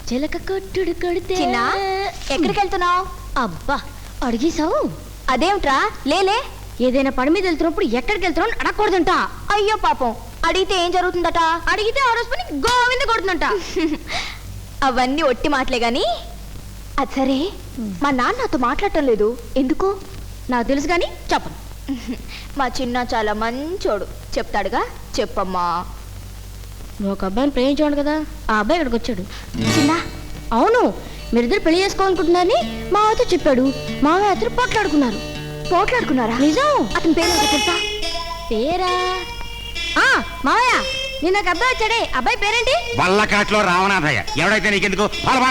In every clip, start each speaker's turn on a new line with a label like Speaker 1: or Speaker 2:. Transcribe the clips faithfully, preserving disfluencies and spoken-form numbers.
Speaker 1: చిలక కొట్టుడు కొడితే
Speaker 2: చిన్నా ఎక్కడికి వెళ్తున్నావు?
Speaker 1: అబ్బా అడిగేశావు.
Speaker 2: అదేమిట్రా లేలే.
Speaker 1: ఏదైనా పని మీద వెళ్తున్నప్పుడు ఎక్కడికి వెళ్తున్నావు అని అడగకూడదంట.
Speaker 2: అయ్యో పాపం, అడిగితే ఏం జరుగుతుందట?
Speaker 1: అడిగితే ఆ రోజు పని గోవింద కొడుతుందంట.
Speaker 2: అవన్నీ ఒట్టి మాటలే గాని అది సరే, మా నాన్న నాతో మాట్లాడటం లేదు ఎందుకు?
Speaker 1: నాకు తెలుసు కానీ చెప్పను.
Speaker 2: మా చిన్న చాలా మంచోడు, చెప్తాడుగా. చెప్పమ్మా.
Speaker 1: నువ్వు ఒక అబ్బాయిని ప్రేమించాడు కదా, ఆ అబ్బాయి ఇక్కడికి వచ్చాడు.
Speaker 2: చిన్న
Speaker 1: అవును, మీరిద్దరు పెళ్లి చేసుకోవాలనుకుంటున్నారని మావతో చెప్పాడు. మావయ్య అతను పోట్లాడుకున్నారు.
Speaker 2: పోట్లాడుకున్నారా?
Speaker 1: నిజం.
Speaker 2: అతని పేరు ఏంటో తెలుసా?
Speaker 1: పేరా? ఆ మావయ్య, నిన్న ఒక అబ్బాయి వచ్చాడే, అబ్బాయి పేరేంటి?
Speaker 3: వల్లకాట్లో రావణాథయ్య. ఎవడైతే నీకెందుకు?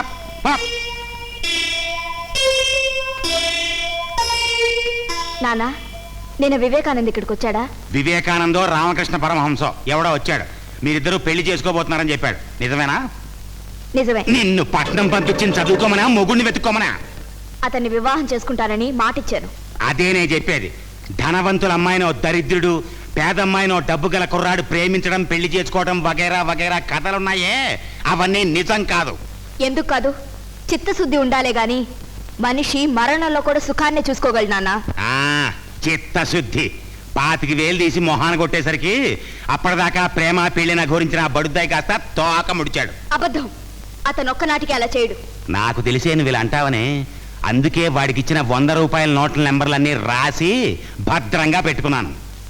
Speaker 2: నానా, నేను వివేకానంద్ ఇక్కడికి వచ్చాడా?
Speaker 3: వివేకానందో రామకృష్ణ పరమహంసో ఎవడో వచ్చాడు. మీరిద్దరూ పెళ్లి చేసుకోబోతున్నారని చెప్పాడు. నిజమేనా?
Speaker 2: నిజమే.
Speaker 3: నిన్ను పట్నం పంపించింది చదువుకోమనా, మొగుడిని వెతుక్కోమనా?
Speaker 2: అతన్ని వివాహం చేసుకుంటానని మాటిచ్చాను.
Speaker 3: అదే నేను చెప్పేది. ధనవంతుల అమ్మాయినో దరిద్రుడు, పేదమ్మాయినో డబ్బు గల కుర్రాడు ప్రేమించడం, పెళ్లి చేసుకోవడం వగైరా వగైరా కథలున్నాయే, అవన్నీ నిజం కాదు.
Speaker 2: ఎందుకు కాదు? చిత్తశుద్ధి ఉండాలే గాని మనిషి మరణంలో కూడా సుఖాన్ని చూసుకోగలడు నాన్న.
Speaker 3: ఆ చిత్తశుద్ధి పాతికి వేలు తీసి మొహాన కొట్టేసరికి అప్పటిదాకా ప్రేమ పెళ్లిన గురించిన బడుద్దాయి కాస్త తోక ముడిచాడు.
Speaker 2: అబద్ధం. అతను ఒక్కనాటికి అలా చేయడు.
Speaker 3: నాకు తెలిసే నువ్వు ఇలా అంటావని, అందుకే వాడికి ఇచ్చిన వంద రూపాయల నోట్ల నెంబర్లన్నీ రాసి భద్రంగా పెట్టుకున్నాను.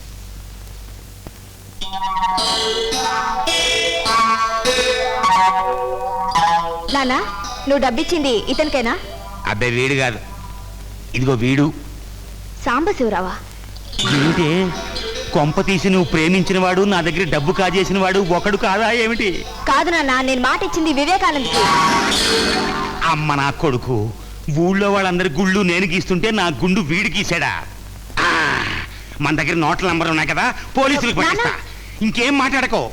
Speaker 2: నానా, నువ్వు డబ్బిచ్చింది ఇతనికేనా?
Speaker 3: అబ్బాయి వీడు కాదు, ఇదిగో వీడు.
Speaker 2: సాంబశివరావా?
Speaker 3: ఏంటి కొంప తీసి నువ్వు ప్రేమించిన వాడు నా దగ్గర డబ్బు కాజేసిన వాడు ఒకడు కాదా ఏమిటి?
Speaker 2: కాదు నాన్న, నేను మాట ఇచ్చింది వివేకానంద్కి.
Speaker 3: అమ్మ నా కొడుకు, ఊళ్ళో వాళ్ళందరి గుళ్ళు నేను గీస్తుంటే నా గుండు వీడు గీసాడా? ఆ, మన దగ్గర నోట్ల నంబర్లు ఉన్నాయి కదా, పోలీసులకు పట్టిస్తా. ఇంకేం మాట్లాడకో,